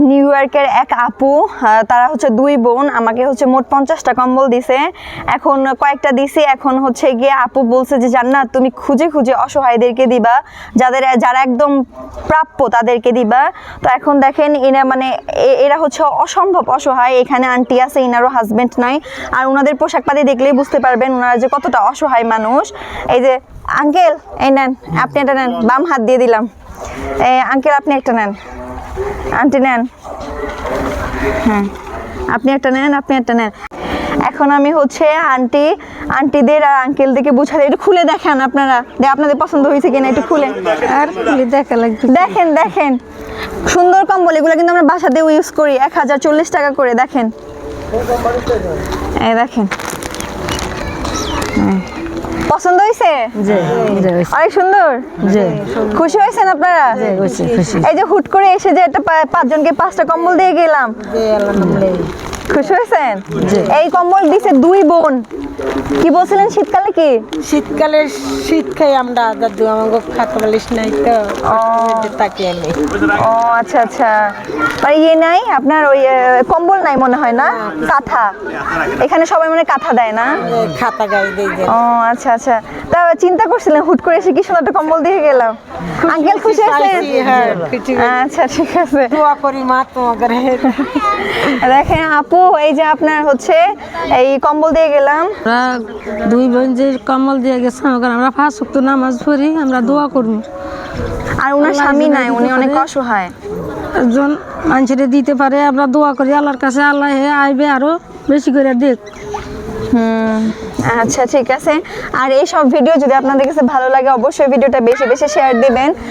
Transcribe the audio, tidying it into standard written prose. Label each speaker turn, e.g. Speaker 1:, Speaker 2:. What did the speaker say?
Speaker 1: New ইয়র্কের এক আপু, তারা হচ্ছে 2 বোন, আমাকে হচ্ছে মোট 50টা কম্বল দিছে। এখন কয়েকটা দিছি, এখন হচ্ছে গিয়ে আপু বলছে যে জান্নাত তুমি খুঁজে খুঁজে অসহায়দেরকে দিবা, যারা একদম প্রাপ্য তাদেরকে দিবা। তো এখন দেখেন এরা মানে এরা হচ্ছে অসম্ভব অসহায়। এখানে আন্টি আছে, ইনারও হাজবেন্ড নাই, আর ওনাদের পোশাক পাতি দেখলেই বুঝতে পারবেন ওনারা যে কতটা অসহায় মানুষ। এই যে আঙ্কেল, এই নেন, আপনি এটা নেন, বাম হাত দিয়ে দিলাম। আঙ্কেল আপনি একটা নেন, আন্টি নেন, হ্যাঁ আপনি একটা নেন, আপনি একটা নেন। এখন আমি হচ্ছে আন্টিদের আর আঙ্কেলদেরকে বুঝাতে, একটু খুলে দেখেন আপনারা, আপনাদের পছন্দ হয়েছে কিনা একটু খুলে
Speaker 2: আর দেখা লাগবে।
Speaker 1: দেখেন দেখেন, সুন্দর কম্বল, এগুলো কিন্তু আমরা বাসাতেও ইউজ করি। 1040 টাকা করে। দেখেন, এই দেখেন, পছন্দ হয়েছে? অনেক সুন্দর। খুশি হয়েছেন আপনারা? এই যে হুট করে এসে যে একটা 5 জনকে 5টা কম্বল দিয়ে গেলাম, খুশি হয়েছেন? এই কম্বল দিছে 2 বোন। কি বলছিলেন শীতকালে? কি
Speaker 2: শীতকালে শীত খাই আমরা, দাদু আমাকে খাতা বালিশ নাই তো তাকে আমি।
Speaker 1: ও আচ্ছা আচ্ছা, মানে ইয়ে নাই আপনার, ওই কম্বল নাই মনে হয় না, কাঁথা। এখানে সবাই মানে কাঁথা দেয় না,
Speaker 2: খাতা গায়ে দিয়ে
Speaker 1: ও আচ্ছা আচ্ছা। তা চিন্তা করছিলেন হুট করে এসে কি সুন্দর একটা কম্বল দিয়ে গেলাম। আঙ্কেল খুশি আছেন? আচ্ছা ঠিক আছে,
Speaker 2: দোয়া করি মা তোমাকে।
Speaker 1: দেখেন আপু, এই যে আপনার হচ্ছে এই কম্বল দিয়ে গেলাম।
Speaker 3: আমরা 2 বোন যে কম্বল দিয়ে গেছে, আমরা 5 ওয়াক্ত নামাজ পড়ি, আমরা দোয়া করবো।
Speaker 1: আর ওনার স্বামী নাই, উনি অনেক অসহায়।
Speaker 3: একজন মানুষের দিতে পারে, আমরা দোয়া করি আল্লাহর কাছে, আল্লাহ আইবে আরো বেশি করে দেখ।
Speaker 1: আচ্ছা ঠিক আছে। আর এই সব ভিডিও যদি আপনাদের কাছে ভালো লাগে, অবশ্যই ভিডিওটা বেশি বেশি শেয়ার দিবেন।